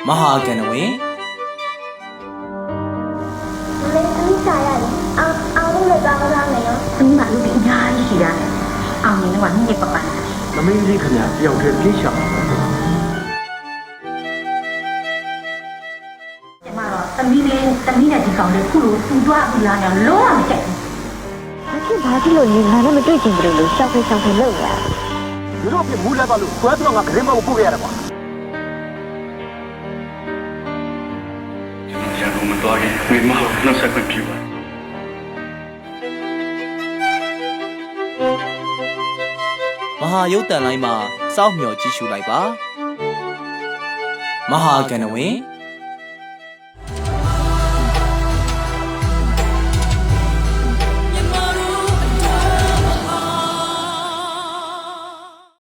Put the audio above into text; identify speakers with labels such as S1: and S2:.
S1: မဟာကဏ္ဍဝင်
S2: အားလုံးလည်းကောင်းကောင်းနေရောဒီမှာလူကြီးအများကြီးရှိရတယ်အောင်နေတော့ညစ်ပပန်း
S3: သမီးလေးခင်ဗျာတယောက်တည်းပြေးချောင်
S2: ကျမတော့သမီးနဲ့ဒီကောင်လေးခုလိုသူ့သွားပြီးလာတော့လုံးဝမကြိုက်ဘူး
S4: ဘာဖြစ်လို့ညီငါနဲ့မတွေ့ချင်ဘူးလို့ရှောက်ဖေးလုပ်ရ
S3: သူတို့ပြမူးလဲပါလို့ကွဲတော့ငါခရင်မကိုပို့ရတာကွာ
S5: ရန်ကုန်မသွားခင်မိမကိုနှုတ်ဆက်ခွင့်ပြုပါ
S1: မဟာရုပ်တန်လိုင်းမှာစောင့်မျှော်ကြည့်ရှုလိုက်ပါမဟာကဏ္ဍဝင်